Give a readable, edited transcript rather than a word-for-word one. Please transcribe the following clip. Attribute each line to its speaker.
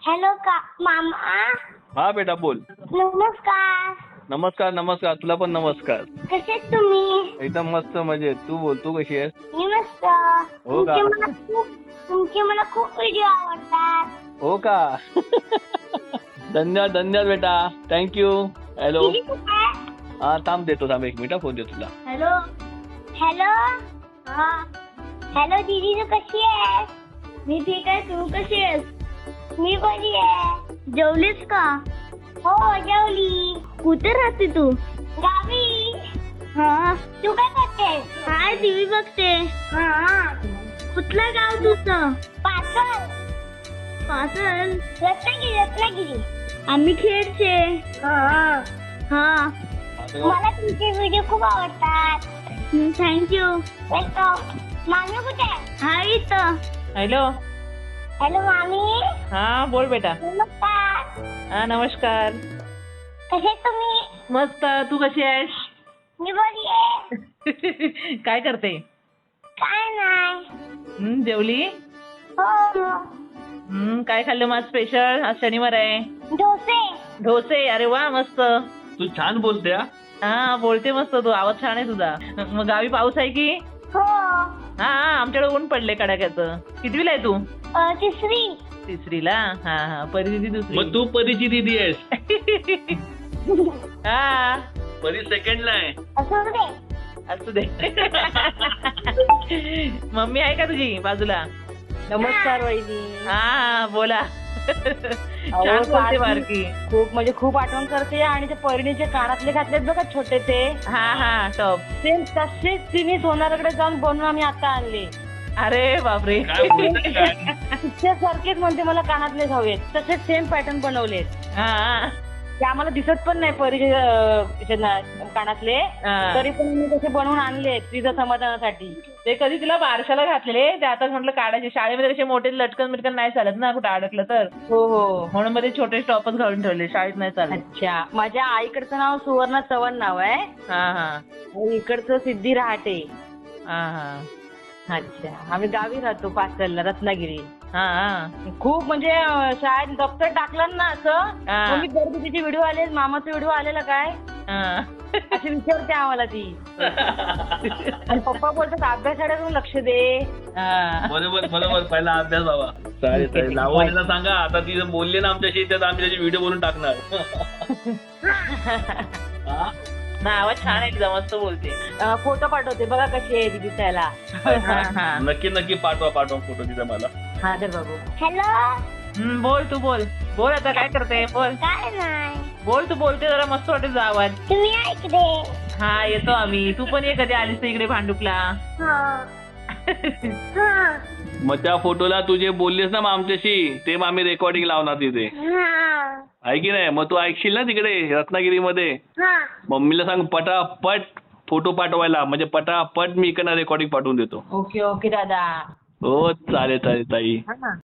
Speaker 1: Hello का मामा.
Speaker 2: हा बेटा बोल.
Speaker 1: नमस्कार.
Speaker 2: नमस्कार नमस्कार, तुला पण नमस्कार.
Speaker 1: कसे आहेत तुम्ही?
Speaker 2: एकदम मस्त मजेत. तू बोल, तू कशी आहेस?
Speaker 1: मी मस्त.
Speaker 2: हो का?
Speaker 1: तुमचे मला खूप व्हिडिओ आवडतात.
Speaker 2: हो का? धन्यवाद धन्यवाद बेटा, थँक्यू. हॅलो.
Speaker 1: दीदी कुठे आहे?
Speaker 2: हा थांब, देतो एक मिनिट, फोन देतो तुला.
Speaker 1: हॅलो. हॅलो. हा. हॅलो दीदी, तू कशी आहेस? मी ठीक आहे, तू कशी आहेस? मी बरी आहे. जेवलीस का? हो जेवली. कुठे राहते तू? गावी. हा. तू काय करते? काय टीव्ही बघते. हा. कुठलं गाव तुझं? पाचल. पाचल? रत्नागिरी रत्नागिरी. आम्ही खेडचे. हा. हा. मला तुमचे व्हिडिओ खूप आवडतात. थँक्यू. वेलकम. मामी कुठे आहे? हा इथं.
Speaker 3: हॅलो.
Speaker 1: हॅलो मामी.
Speaker 3: हा बोल बेटा.
Speaker 1: नमस्कार.
Speaker 3: हा नमस्कार.
Speaker 1: कसे तुम्ही?
Speaker 3: मस्त, तू कशी आहेस?
Speaker 1: मी बरी आहे.
Speaker 3: काय करते?
Speaker 1: काय नाही.
Speaker 3: जेवली?
Speaker 1: हो.
Speaker 3: काय खाल्लं मग स्पेशल? आज शनिवार आहे.
Speaker 1: डोसे.
Speaker 3: डोसे, अरे वा मस्त.
Speaker 2: तू छान बोलते हा.
Speaker 3: हा बोलते मस्त तू, आवाज छान आहे तुझा. मग गावी पाऊस आहे की?
Speaker 1: हो.
Speaker 3: हा आमच्याकडे ऊन पडले कडाक्याचं. कितवीला आहे तू?
Speaker 1: तिसरी.
Speaker 3: तिसरीला. हा हा, परी दिदी दुसरी.
Speaker 2: मग तू परीची दीदी आहेस.
Speaker 3: हा
Speaker 2: परी सेकंडला आहे.
Speaker 1: असू दे.
Speaker 3: असू दे. मम्मी आहे का तुझी बाजूला?
Speaker 4: नमस्कार वहिनी.
Speaker 3: हा बोला. छान बोलते बारकी.
Speaker 4: खूप म्हणजे खूप आठवण करते. आणि ते परिणीचे कानातले घातलेत बघा छोटे ते,
Speaker 3: हा हा टॉप.
Speaker 4: सेम तसेच तिने सोनाराकडे जाऊन बनवून आम्ही आता आणले.
Speaker 3: अरे बापरे.
Speaker 2: काय बोलते काय?
Speaker 4: तिच्यासारखेच म्हणते मला कानातलेच हवेत. तसेच सेम पॅटर्न बनवलेत.
Speaker 3: हा
Speaker 4: ते आम्हाला दिसत पण नाही परिचे कानातले,
Speaker 3: हा.
Speaker 4: तरी पण मी तसे बनवून आणलेत तिच्या समाधानासाठी.
Speaker 3: ते कधी तिला बारशाला घातलेले, ते आता म्हटलं काढायचे. शाळेमध्ये कसे मोठे लटकन बिटकन नाही चालत ना, कुठं अडकलं तर.
Speaker 4: हो हो.
Speaker 3: म्हणून मध्ये छोटे टॉपच घालून ठेवले, शाळेत नाही चालत.
Speaker 4: अच्छा. माझ्या आईकडचं नाव सुवर्णा चव्हाण नाव आहे.
Speaker 3: हा हा
Speaker 4: आणि इकडचं सिद्धी रहाटे.
Speaker 3: हा हा
Speaker 4: अच्छा. आम्ही गावी राहतो पाचलला, रत्नागिरी.
Speaker 3: हा हा.
Speaker 4: खूप म्हणजे शाळेत दप्तर टाकलं ना असं,
Speaker 3: हा.
Speaker 4: मग मी घरगुतीचे व्हिडिओ आले, मामाचे व्हिडिओ आलेला काय
Speaker 3: हा.
Speaker 4: असे विचारते आम्हाला ती. आणि पप्पा बोलतात अभ्यासाकडे लक्ष दे.
Speaker 3: हा.
Speaker 2: बरोबर बरोबर, पहिला अभ्यास बाबा. चालेल चालेल, लावणीला सांगा आता, ती बोलली ना आमच्याशी, तर आम्ही त्याचे व्हिडिओ बनवून टाकणार. हा?
Speaker 3: ना आवाज छान आहे तिचा, मस्त बोलते.
Speaker 4: फोटो पाठवते बघा कशी आहे ती दिसायला.
Speaker 3: हा, हा.
Speaker 2: नक्की नक्की पाठवा फोटो तिचा मला.
Speaker 4: हा तर बघू.
Speaker 1: हॅलो.
Speaker 3: बोल तू बोल. बोल आता काय करते, बोल.
Speaker 1: काय नाही.
Speaker 3: बोल तू, बोलते जरा मस्त वाटत तुझा आवाज.
Speaker 1: तुम्ही ऐकते.
Speaker 3: हा येतो आम्ही. तू पण ये कधी आलीस तर इकडे भांडुपला.
Speaker 1: हा. हा.
Speaker 2: मग त्या फोटोला तू जे बोललीस ना मग आमच्याशी, ते मग आम्ही रेकॉर्डिंग लावणार तिथे,
Speaker 1: हा.
Speaker 2: आहे की नाही? मग तू ऐकशील ना तिकडे रत्नागिरीमध्ये.
Speaker 1: हा.
Speaker 2: मम्मीला सांग पटापट फोटो पाठवायला, म्हणजे पटापट मी इकडनं रेकॉर्डिंग पाठवून देतो.
Speaker 4: ओके ओके दादा.
Speaker 2: हो चालेल चालेल ताई.
Speaker 4: हा.